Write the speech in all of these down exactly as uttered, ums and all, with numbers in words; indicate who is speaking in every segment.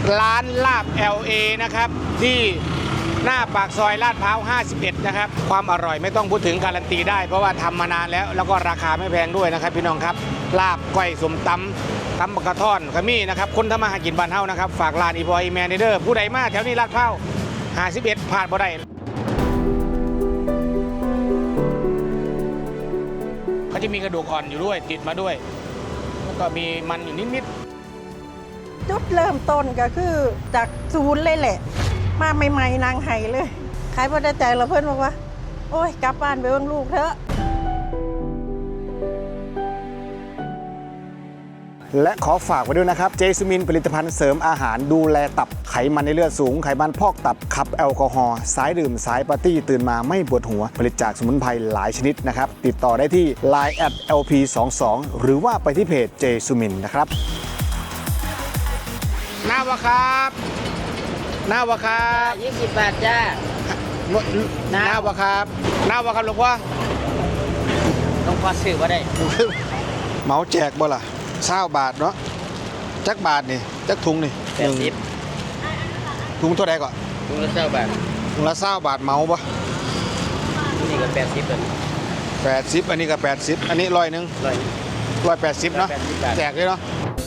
Speaker 1: ร้านลาบ แอล เอ นะครับที่หน้าปากซอยลาดพร้าวห้าสิบเอ็ดนะครับความอร่อยไม่ต้องพูดถึงการันตีได้เพราะว่าทำมานานแล้วแล้วก็ราคาไม่แพงด้วยนะครับพี่น้องครับลาบก้อยสมตำตำบักกระท่อนขมิ้นนะครับคนทำมาหากินบ้านเฮานะครับฝากร้านอีบอยแมนเดอร์ผู้ใดมาแถวนี้ลาดพร้าวห้าสิบเอ็ดผ่านบ่ได้เขาจะมีกระดูกอ่อนอยู่ด้วยติดมาด้วยแล้วก็มีมันอยู่นิดๆ
Speaker 2: จุดเริ่มต้นก็คือจากศูนย์เลยแหละมาใหม่ๆนางไห้เลยขายพอได้ใจเราเพื่อนบอกว่าโอ้ยกลับบ้านไปเบิ่งลูกเถอะ
Speaker 1: และขอฝากไว้ด้วยนะครับเจสมินผลิตภัณฑ์เสริมอาหารดูแลตับไขมันในเลือดสูงไขมันพอกตับขับแอลกอฮอล์สายดื่มสายปาร์ตี้ตื่นมาไม่ปวดหัวผลิตจากสมุนไพรหลายชนิดนะครับติดต่อได้ที่ ไลน์ แอท แอล พี สองสิบสอง หรือว่าไปที่เพจเจสมินนะครับหน้าวะครับหน้าวะครับ
Speaker 3: ยี่สิบบาทจ้า
Speaker 1: หน้าวะครับหน้าวะครับหลวงพ่อ
Speaker 3: ต้องพอซื้อมาได้
Speaker 1: เหมาแจกบ่ล่ะเศร้าบาทเนาะจักบาทนี่จักถุงนี่
Speaker 3: แปดสิบ
Speaker 1: ถุงเท่าไหร่ก่อน
Speaker 3: ถุงละเศร้าบาท
Speaker 1: ถุงละเศร้าบาทเหมาปะ
Speaker 3: นี่ก็แปดสิบเลย
Speaker 1: แปดสิบอันนี้ก็แปดสิบอันนี้ร้อยหนึ่ง
Speaker 3: ร้อย
Speaker 1: ร้อยแปดสิบเนาะแจกเลยเนาะ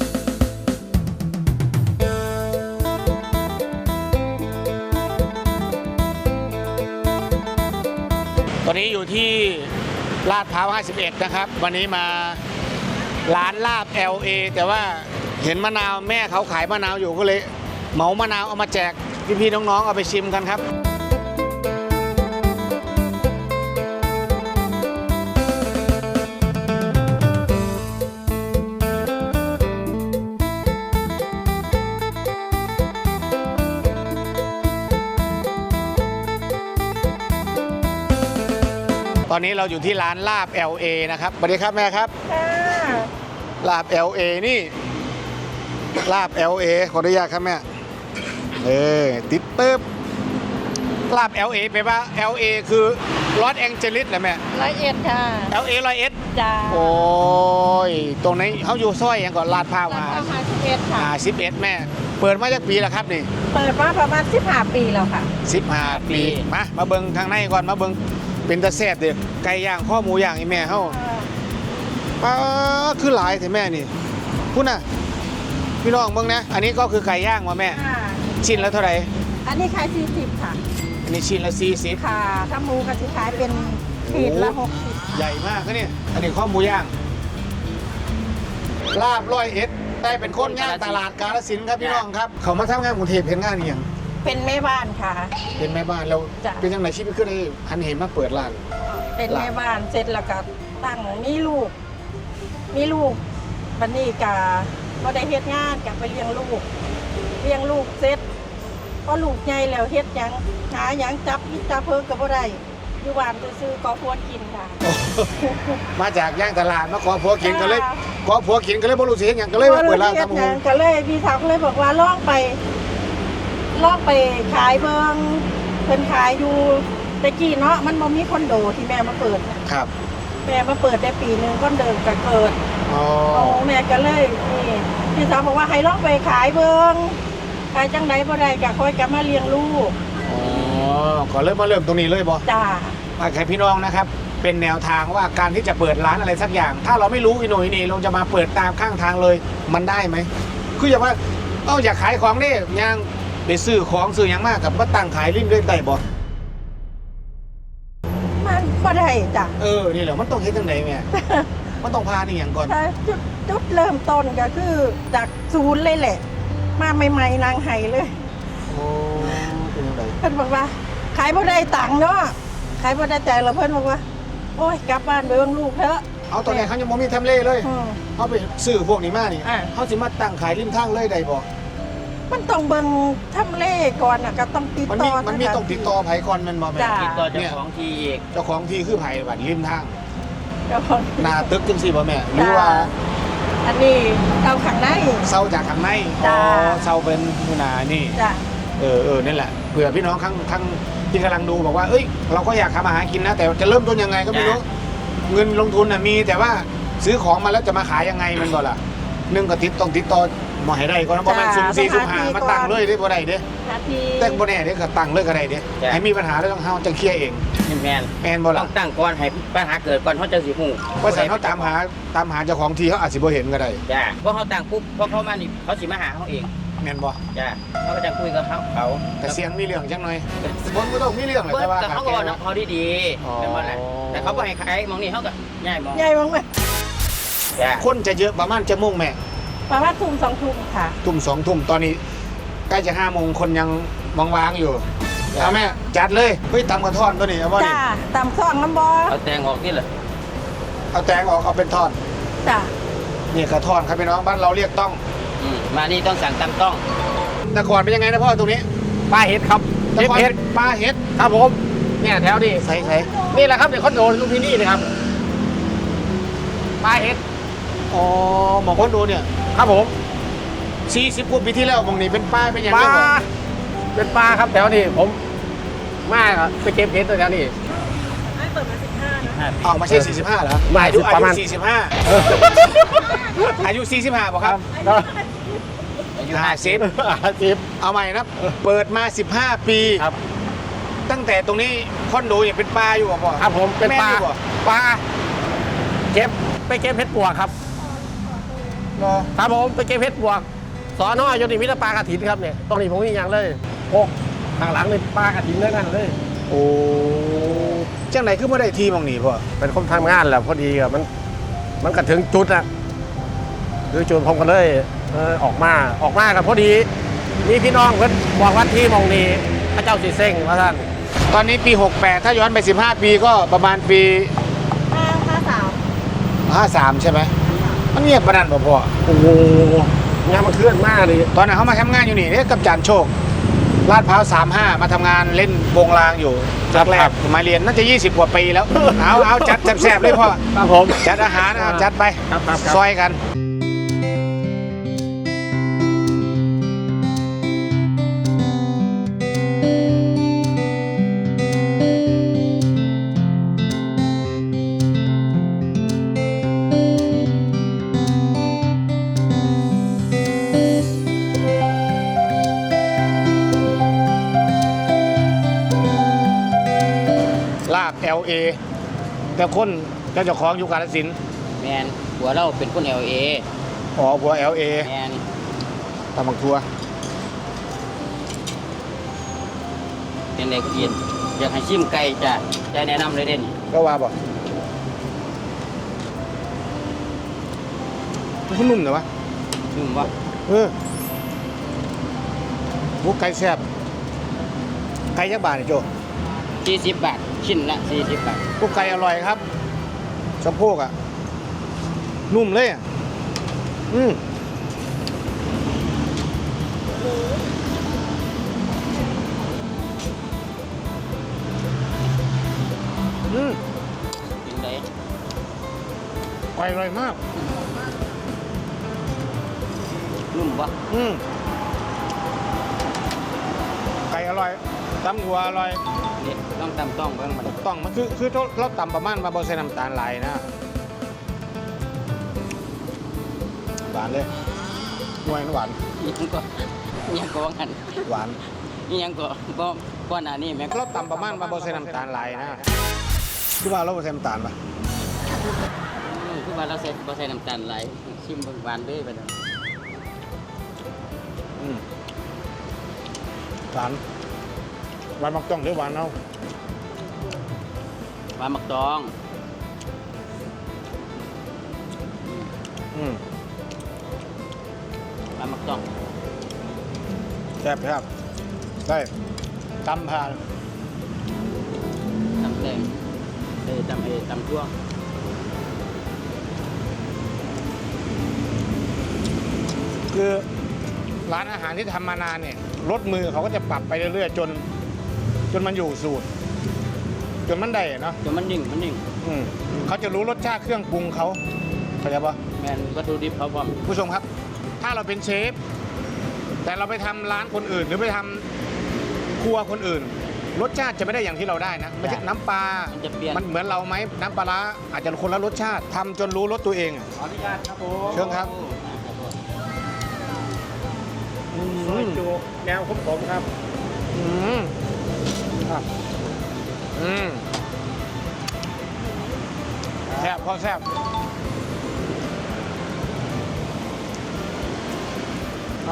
Speaker 1: ตอนนี้อยู่ที่ลาดพร้าวห้าสิบเอ็ดนะครับวันนี้มาร้านลาบ แอล เอ แต่ว่าเห็นมะนาวแม่เขาขายมะนาวอยู่ก็เลยเหมามะนาวเอามาแจกพี่ๆน้องๆเอาไปชิมกันครับตอนนี้เราอยู่ที่ร้านลาบ แอล เอ นะครับสวัสดีครับแม่ครับลาบ แอล เอ นี่ลาบ แอล เอ ขออนุญาตครับแม่เออติดเติบลาบ แอล เอ แปลว่า แอล เอ คือลอสแองเจลิสเหรอแม่
Speaker 2: ร้อยเอ็ดค่ะ
Speaker 1: แอล เอ ร้อยเอ็ด
Speaker 2: จ้า
Speaker 1: โอ้ยตรงนี้เขาอยู่ซอยอย่างก่อนลาดพร้าวมา
Speaker 2: ห้าสิบเอ็ดค่ะ
Speaker 1: ห้าสิบเอ็ดแม่เปิดมาจากปีแล้วครับนี่
Speaker 2: เปิดมาประมาณสิบห้าปีแล้วค่ะ
Speaker 1: สิบห้าปีมามาเบิ่งทางในก่อนมาเบิ่งเป็นตะแซ่บเด้อไก่ย่างข้อหมูย่างอีแม่เฮาป้าคือหลายแต่แม่นี่พูดน่ะพี่น้องเบิ่งนะอันนี้ก็คือไก่ย่างว่ะแม่ชิ้นละเท่าไหร่
Speaker 2: อันนี้ขายสี่สิบค่ะ
Speaker 1: อันนี้ชิ้นละสี่สิบ
Speaker 2: ค่ะถ้าหมูก็จะขายเป็นขีดละหกสิบ
Speaker 1: ใหญ่มากนะเนี่ยอันนี้ข้อหมูย่างลาบร้อยเอ็ดได้เป็นคนย่างตลาดกาฬสินธุ์ครับพี่น้องครับเขามาทำงานกรุงเทพเห็นงานนี่ยัง
Speaker 2: เป็นแม่บ้านค่ะ
Speaker 1: เป็นแม่บ้านแล้วเป็นยังไงชีวิตขึ้นได้หันเห็นมาเปิดร้าน
Speaker 2: เป็นแม่บ้านเสร็จแล้วก็ตั้งมีลูกมีลูกวันนี้กะก็ได้เฮ็ดงานกลับไปเลี้ยงลูกเลี้ยงลูกเสร็จพอลูกใหญ่แล้วเฮ็ดยังหายังจับจับเพิ่งกับบ่ได้อยู่บ้านซื้อๆก็พวกินค่ะ
Speaker 1: มาจากย่างตลาดมาขอผัวกินก็เลยขอผัวกินก็เลยบ่รู้สิเฮ็ดหยังก็เลยมาเปิดร้านทำหง
Speaker 2: ก็เลยพี่สาวก็เลยบอกว่าลองไปลองไปขายเบิ่งเพิ่นขายอยู่ตะกี้เนาะมันบ่มีคอนโดที่แม่มาเปิด
Speaker 1: ครับ
Speaker 2: แม่มาเปิดได้ปีนึงคอนโดก็เกิดอ๋อแม่ก็เลยนี่พี่สาวบอกว่าให้ลองไปขายเบิ่งขายจังไดบ่ได้ก็ค่อยกลับมาเลี้ยงลูก
Speaker 1: อ๋อขอเริ่มมาเริ่มตรงนี้เลยบ่
Speaker 2: จ้า
Speaker 1: มาใครพี่น้องนะครับเป็นแนวทางว่าการที่จะเปิดร้านอะไรสักอย่างถ้าเราไม่รู้อีโหน่ยนี่เราจะมาเปิดตามข้างทางเลยมันได้ไหมคืออย่างว่าเอ้าอยากขายของนี่ยังไปซื้อของซื้ออย่างมากกับมาตั้งขายริมด้วยได้บ่
Speaker 2: มันบ่ได้จ้ะ
Speaker 1: เออนี่แหละมันต้องเฮ็ดจังได๋แม่มันต้องพานี่อย่างก่อน
Speaker 2: จุดจุดเริ่มต้นก็คือจากศูนย์เลยแหละมาใหม่ๆนางไห้เลย
Speaker 1: โอ้เป็นจังได๋
Speaker 2: เพิ่นบอกว่าขายบ่ได้ตังค์เนาะขายบ่ได้ใจแล้วเพิ่นบอกว่าโอ้ยกลับบ้านไปเบิ่งลูกเถอะ
Speaker 1: เอาตอนนี้เขายังบ่มีทำเลเลยเขาไปซื้อพวกนี้มานี่เขาสิมาตั้งขายริมทางเลยได้บ่
Speaker 2: มันต้องเบิ่งทำเลก่อนน่ะก็ต้องติดต่อ
Speaker 1: มันมีต้องติดต่อไผก่อนมันบ่แม่
Speaker 3: ติดต่อเจ้าของที่อีก
Speaker 1: เจ้าของที่คือไผบัดริมทางหน้าตึกจังซี่บ่แม่หรือว่า
Speaker 2: อันนี้เซาข้างใน
Speaker 1: เซาจากข้างในอ๋อเซาเป็นมื้อหน้านี่
Speaker 2: จ้ะ
Speaker 1: เออเออนั่นแหละเผื่อพี่น้องข้างข้างที่กำลังดูบอกว่าเอ้ยเราก็อยากทำอาหารกินนะแต่จะเริ่มต้นยังไงก็ไม่รู้เงินลงทุนน่ะมีแต่ว่าซื้อของมาแล้วจะมาขายยังไงมันก็ล่ะนึงก็ติดต้องติดต่อหมอให้ได้ก่อนบ่แม่นสุ่มสี่สุ่มห้ามาตั้งเลยเด้บ่ได้เด้
Speaker 2: หาที
Speaker 1: แต่บ่แน่เด้ก็ตั้งเลยก็ได้เด้ให้มีปัญหาแล้วต้องเฮาจังเคลียร์เอง
Speaker 3: นี่แมน
Speaker 1: แม่นบ่
Speaker 3: ต้
Speaker 1: ล่ะ
Speaker 3: องตั้งก่อนให้ปัญหาเกิดก่อนเขาจะสิหู
Speaker 1: เพราะฉะนั้นเฮาตามหาตามหาเจ้าของที่เขาอาจสิบ่เห็นก็ได้
Speaker 3: จ้าเพราะเขาตั้งปุ๊บพอเขามานี่เขาสิมาหาเขาเอง
Speaker 1: แม่นบ่
Speaker 3: จ้าเขาก็จะคุยกับเขาเขา
Speaker 1: แต่เสียงมีเรื่องจังหน่อยบ่บ่ต้องมีเรื่องหรอก
Speaker 3: เบิ
Speaker 1: แต่
Speaker 3: ด
Speaker 1: ว่า
Speaker 3: แต่เขาก็บอกน้ำเขาดีๆ
Speaker 1: อ๋อ
Speaker 3: เป็นว่าแหละแต่เขาบอกให้ใครมองนี่เขาก็ง่ายมอง
Speaker 2: ใหญ่บ้างไหม
Speaker 3: จ้า
Speaker 1: คนจะเยอะประมาณจะโมงแม่
Speaker 2: ประมาณทุ่มสองทุ่มค่ะ
Speaker 1: ทุ่มสองทุ่มตอนนี้ใกล้จะห้าโมงคนยังว่างๆอยู่เอาแม่จัดเลยเฮ้ยตำกระท่อนตัวนี้เอาบ่นี่
Speaker 2: จ้าตำซองน้ำบอ
Speaker 3: เอาแตงออกนี่เหรอ
Speaker 1: เอาแตงออกเอาเป็นท่อน
Speaker 2: จ้า
Speaker 1: นี่กระท่อนครับพี่น้องบ้านเราเรียกต้อง
Speaker 3: อืมมานี่ต้องสั่งตามต้อง
Speaker 1: แต่ก่อนเป็นยังไงนะพ่อตรงนี้
Speaker 4: ปลาเห็ดครับ
Speaker 1: แต่ก่อนเป็นปลาเห็ด
Speaker 4: ครับผมเนี่ยแถวนี้
Speaker 1: ใส่ใส่
Speaker 4: นี่แหละครับเดี๋ยวคอนโดลุมพินีนะครับปลาเห็ด
Speaker 1: อ๋อหมอคนดูเนี่ย
Speaker 4: ครับผม
Speaker 1: สี่สิบกว่าปีที่แล้วมองนี่เป็นป้ายเป็นยัง
Speaker 4: ป
Speaker 1: ไง
Speaker 4: ลา
Speaker 1: บ่
Speaker 4: เป็นปลาครับแถวนี้ผมมาไปเก็บเห็ดตัวแถวนี้
Speaker 2: ไม่เปิดมาสิบห้านะ
Speaker 1: ออกมาใช่สี่สิบห้าเหรอ
Speaker 4: ไม่
Speaker 1: อายุ
Speaker 4: ประมาณ
Speaker 1: อายุสี่สิบห้าอายุสี่สิบห้าป่ะครับ
Speaker 3: อายุ
Speaker 1: ห้าสิบ
Speaker 4: อาชีพ
Speaker 1: เอาใหม่นะเปิดมาสิบห้าปี
Speaker 4: ครับ
Speaker 1: ตั้งแต่ตรงนี้คอนโดยังเป็นปลาอยู่ป่ะพ่อ
Speaker 4: ครับผมเป็นปลา
Speaker 1: แม่อยู่บ่
Speaker 4: ปลาเก็บไปเก็บเห็ดปวกครับ
Speaker 1: รอ
Speaker 4: ครับผมไปเก็บเห็ดปวกสอนอยนี่มิตรปลากระถินครับเนี่ยตรงนี้ผมมีอย่างเลยโอ้ข้างหลังนี่ปลากระถินด้วยกันเลย
Speaker 1: โอ้จังไหนคือไม่ได้ทีมองนี่พ่อ
Speaker 4: เป็นคนทำงานแหละพอดีอะมันมันก็ถึงจุดอะคือจุดผมก็เลยเออออกมาออกมากับพอดีมีพี่น้องเพิ่นบอกว่าที่หมองนี้พระเจ้าสีเส้งว่าท่าน
Speaker 1: ตอนนี้ปีหกแปดถ้าย้อนไปสิบห้าปีก็ประมาณปี
Speaker 2: ห้าห้าสาม
Speaker 1: ห้าสามใช่ไหมมันเงียบประนันบ่พ่อ
Speaker 4: โอ้โหงานมันเคลื่อนมากเลย
Speaker 1: ตอนนั้นเขามาทำงานอยู่นี่เนี่ยกับจานโชคลาดพร้าวสามห้ามาทำงานเล่นวงรางอยู่จากแรกมาเรียนน่าจะยี่สิบกว่าปีแล้ว เอาเอาจัดแซ่บๆเลยพ่อ
Speaker 4: ครับผม
Speaker 1: จัดอาหารเอาจัดไป
Speaker 4: ครับครับครับ
Speaker 1: ซอยกัน ลาบ แอล เอ แต่คนเจ้าของอยู่กาฬสินธุ์
Speaker 3: แมนหัวเราเป็นคนเอลเอ
Speaker 1: อ๋อผัว แอล เอ
Speaker 3: แมน
Speaker 1: ตำบักทัว
Speaker 3: เป็นเด็กกินอยากให้ชิมไก่จ้ะจะแนะนำเลยเด่น
Speaker 1: ก็ว่าบอกมันนุ่มเหรอวะ
Speaker 3: ชิมว่า
Speaker 1: เออบุกไก่แซ่บไก่ยักษ์บาทนี่โจ
Speaker 3: สี่สิบบาทชิ้นละสี่สิบบาท
Speaker 1: บุกไก่อร่อยครับสะโพกอ่ะ นุ่มเลยอ่ะ อืมอืม
Speaker 3: กินได้
Speaker 1: ไก่อร่อยมาก
Speaker 3: นุ่มปะ
Speaker 1: อืมไก่อร่อยตำหัวอร่อย
Speaker 3: นี่ต้องตำต้องเบิ่งมัน
Speaker 1: ต้องมันคือคือเราตำประมาณมาบอใส่น้ำตาลไหลายนะหวานเลยหวานหวาน
Speaker 3: นี่ยังก็นี่ยังก็ว่างัน
Speaker 1: หวาน
Speaker 3: นี่ยังก็บ่บ่หน้านี่แม่ง
Speaker 1: เราตำประมาณมาบอใส่น้ำตาลไหลายนะคือว่าเราบ่ใส่น้ำตาลปะ
Speaker 3: อืมคือว่าเราใส่บ่ใส่น้ำตาลไหลายชิมเบิ่งหวานเด้อไปเด้อ
Speaker 1: อืมหวานหวานมักต้องหรือหวานเอา
Speaker 3: หวานมักตอง
Speaker 1: อืม
Speaker 3: หวานมักตอง
Speaker 1: แซ่บครับได้ตำผ่าน
Speaker 3: ตำแดงเอ้ยตำเอ้ยตำทั่ว
Speaker 1: คือร้านอาหารที่ทำมานานเนี่ยรสมือเขาก็จะปรับไปเรื่อยๆจน จนมันอยู่สูตร จนมันได้อะเนาะ
Speaker 3: จนมันนิ่งมันนิ่ง
Speaker 1: อืมเขาจะรู้รสชาติเครื่องปรุงเขาเข้าใจปะ
Speaker 3: แม่นวัตถุดิบเขาพร้อม
Speaker 1: ผู้ชมครับ ถ้าเราเป็นเชฟ แต่เราไปทำร้านคนอื่น หรือไปทำครัวคนอื่น รสชาติจะไม่ได้อย่างที่เราได้นะไม่ใช่น้ำปลา
Speaker 3: มันจะเปลี่ยน
Speaker 1: มันเหมือนเราไหมน้ำปลาร้าอาจจะคนละรสชาติทำจนรู้รสตัวเองอะ
Speaker 4: ขออนุญาตครับผม
Speaker 1: เชิญครับ
Speaker 3: โ
Speaker 4: ซอยจุแนวขมๆครับ
Speaker 1: อืมอ่ะอืมแซ่บพอแซ่บเอา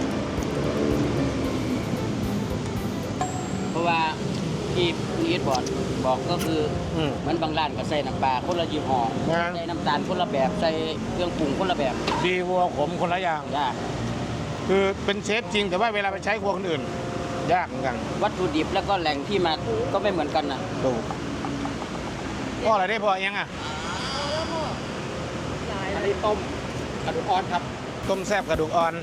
Speaker 3: เพราะว่าที่นี่บอกบอกก็คือ
Speaker 1: อืม
Speaker 3: เหมือนบางร้านก็ใส่น้ำปลาคนละยี่ห้อ
Speaker 1: นะ
Speaker 3: ใส่น้ำตาลคนละแบบใส่เครื่องปรุงคนละแบบ
Speaker 1: ดีวัวขมคนละอย่าง
Speaker 3: จ้า
Speaker 1: คือเป็นเชฟจริงแต่ว่าเวลาไปใช้ครัวคนอื่น ยากเหมือนกัน
Speaker 3: วัตถุดิบแล้วก็แหล่งที่มาก็ไม่เหมือนกันนะ
Speaker 1: ดูพ่ออะไรได้พอยังอ่ะ
Speaker 4: อันนี้ต้มกระดูกอ่อนครับ
Speaker 1: ต้มแซ่บกระดูกอ่อน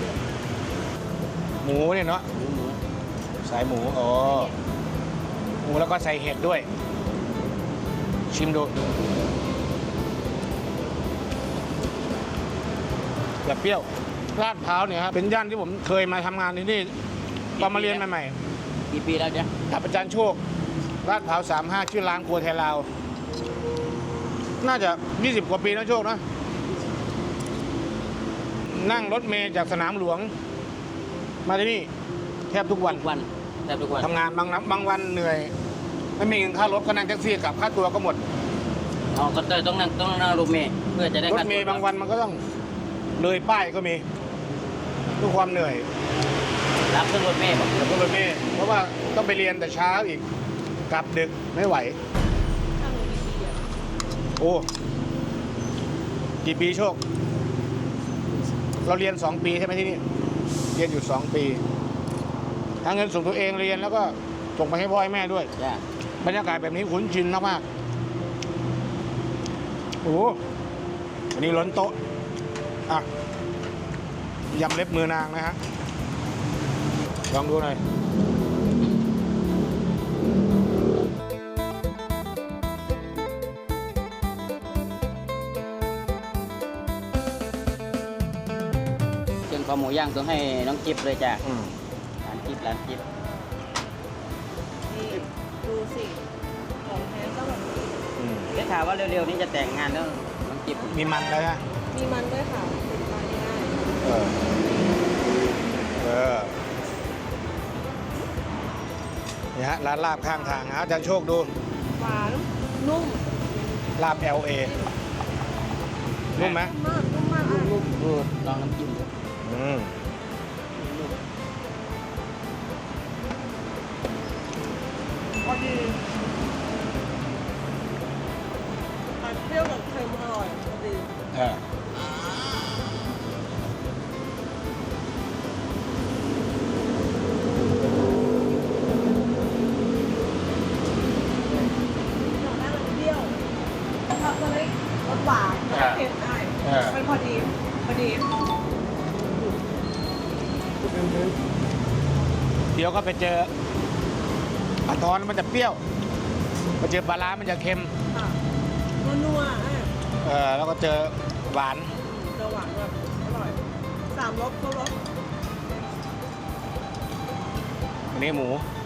Speaker 1: หมูเนี่ยเนาะ
Speaker 3: หมูหมู
Speaker 1: สายหมูอ๋อหมูแล้วก็ใส่เห็ดด้วย ชิมดูแบบเปรี้ยวลาดพร้าวเนี่ยครับเป็นย่านที่ผมเคยมาทำงานที่นี่ตอนมาเรียนใหม่
Speaker 3: กี่ปีแล้วเนี่ย
Speaker 1: ๆกับอาจารย์โชคลาดพร้าวสามห้าชื่อร้านครัวไทยลาว น่าจะยี่สิบกว่าปีนะโชคนะ นั่งรถเมล์จากสนามหลวง มาที่นี่แทบทุกวัน
Speaker 3: ทุกวันแทบทุกวัน
Speaker 1: ทำงานบางนับบางวันเหนื่อย ไม่มีเงินค่ารถก็นั่งแท็กซี่กลับค่าตัวก็หมด
Speaker 3: อ๋อก็เลยต้องนั่งต้องนั่งรถเมล์เพื่อจะได้
Speaker 1: รถ
Speaker 3: ค่าตัว
Speaker 1: เมย์บางวันมันก็ต้องเลยป้ายก็มีทุกความเหนื่อย
Speaker 3: รับขึ้นรถเมล์บอก
Speaker 1: เดี๋ยวก็รถเมย์เพราะว่าต้องไปเรียนแต่เช้าอีกกลับดึกไม่ไหว โอ้กี่ปีโชค เราเรียนสองปีใช่ไหมที่นี่เรียนอยู่สองปีหาเงินส่งตัวเองเรียนแล้วก็ส่งไปให้พ่อให้แม่ด้วย
Speaker 3: จ้า
Speaker 1: บรรยากาศแบบนี้คุ้นชินมากๆโอ้วันนี้ล้นโต๊ะอ่ะยำเล็บมือนางนะฮะลองดูหน่อย
Speaker 3: เชิญข้าวหมูย่างต้องให้น้องจิ๊บเลยจ้า
Speaker 1: อืม
Speaker 3: ร้านจิ๊บร้านจิ๊บ
Speaker 2: นี่ดูสิของแท้ก็แบบนี้
Speaker 1: อืม
Speaker 3: ได้ข่าวว่าเร็วๆนี้จะแต่งงานแล้วน้องจิ๊บ
Speaker 1: มีมันแล้วนะ
Speaker 2: มีมันด้วยค่ะเป็นทานง่าย
Speaker 1: เออ เออนี่ฮะร้านลาบข้างทางฮะอาจารย์โชคดู
Speaker 2: หวานนุ่ม
Speaker 1: ลาบ แอล เอ นุ่มไหม
Speaker 2: มากนุ่มมากอ่ะ
Speaker 3: ดูลองน้ำจิ้มดู
Speaker 1: อืม
Speaker 2: พอดีมันเปรี้ยวกับเค็มอร่อยพอดี
Speaker 1: เออ
Speaker 2: หน่อหน้ามันเปรี้ยวชอบตัวเล็กรสหวานเค็มได้
Speaker 1: เออ
Speaker 2: มันพอดีพอดี
Speaker 1: เดี๋ยวก็ไปเจอปลาทอนมันจะเปรี้ยวไปเจอปลาร้ามันจะเค็ม
Speaker 2: ค่ะนัวๆอ่ะ
Speaker 1: เออ แล้วก็เจอหวาน
Speaker 2: จะหวานแบบอร่อยสามรสครบรส
Speaker 1: อันนี้หมู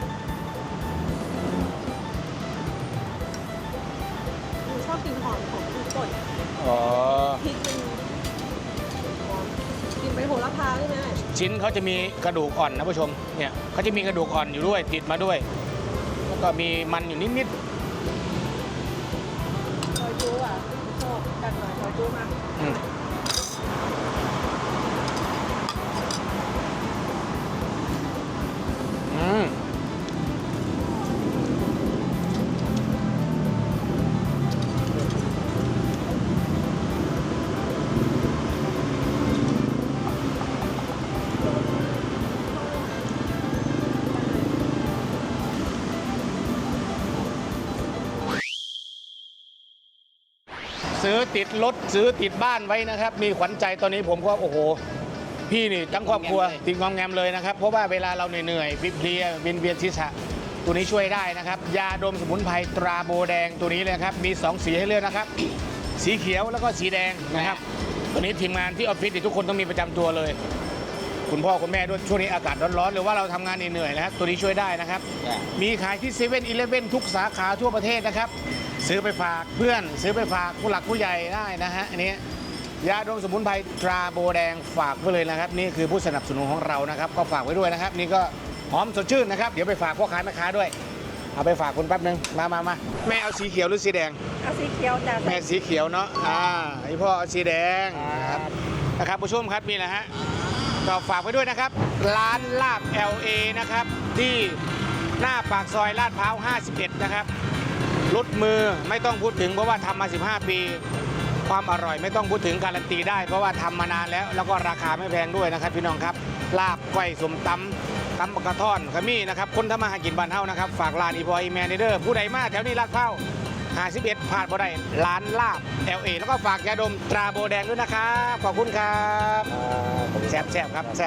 Speaker 2: หนูชอบกินหอมของพริกป่น
Speaker 1: อ๋อ
Speaker 2: พริกมันหอมกินไปโหระพาใช่ไหม
Speaker 1: ชิ้นเขาจะมีกระดูกอ่อนนะผู้ชม เนี่ยเขาจะมีกระดูกอ่อนอยู่ด้วยติดมาด้วย แล้วก็มีมันอยู่นิด
Speaker 2: ซอยจูอ่ะชอบกันหน่อยซอยจูมา
Speaker 1: ๆอืมอืมซื้อติดรถซื้อติดบ้านไว้นะครับ มีขวัญใจตอนนี้ผมก็โอ้โห พี่นี่ทั้งครอบครัวติดงอมแงมเลยนะครับ เพราะว่าเวลาเราเหนื่อยๆเพลียๆเวียนเวียนศีรษะตัวนี้ช่วยได้นะครับ ยาดมสมุนไพรตราโบแดงตัวนี้เลยครับ มีสองสีให้เลือกนะครับ สีเขียวแล้วก็สีแดงนะครับ ตัวนี้ทีมงานที่ออฟฟิศนี่ทุกคนต้องมีประจำตัวเลย คุณพ่อคุณแม่ด้วยช่วงนี้อากาศร้อนๆหรือว่าเราทำงานเหนื่อยๆนะครับตัวนี้ช่วยได้นะครับ
Speaker 3: จ้า
Speaker 1: มีขายที่เซเว่นอีเลฟเว่นทุกสาขาทั่วประเทศนะครับ ซื้อไปฝากเพื่อน ซื้อไปฝากผู้หลักผู้ใหญ่ได้นะฮะอันนี้ยาดมสมุนไพรตราโบแดงฝากไว้เลยนะครับนี่คือผู้สนับสนุนของเรานะครับก็ฝากไว้ด้วยนะครับนี่ก็หอมสดชื่นนะครับเดี๋ยวไปฝากพ่อค้าแม่ค้าด้วยเอาไปฝากคุณแป๊บนึงมามามาแม่เอาสีเขียวหรือสีแดง
Speaker 2: เอาสีเขียวจ้ะ
Speaker 1: แม่สีเขียวเนาะอ่าไอพ่อเอาสีแดงนะครับนะครับผู้ชมครับนี่แหละฮะก็ฝากไว้ด้วยนะครับร้านลาบ แอล เอ นะครับที่หน้าปากซอยลาดพร้าวห้าสิบเอ็ดนะครับรสมือไม่ต้องพูดถึงเพราะว่าทำมาสิบห้าปีความอร่อยไม่ต้องพูดถึงการันตีได้เพราะว่าทำมานานแล้วแล้วก็ราคาไม่แพงด้วยนะครับพี่น้องครับลาบก้อยสมตำตำปกระท่อนขมิ้นนะครับคนทำมาหากินบ้านเฮานะครับฝากร้านอีพออีแมนเดอร์ผู้ใดมาแถวนี้ลาดพร้าวห้าสิบเอ็ดผ่านบ่ได้ร้านลาบ แอล เอ แล้วก็ฝากยาดมตราโบแดงด้วยนะครับขอบคุณครับแซ่บๆครับ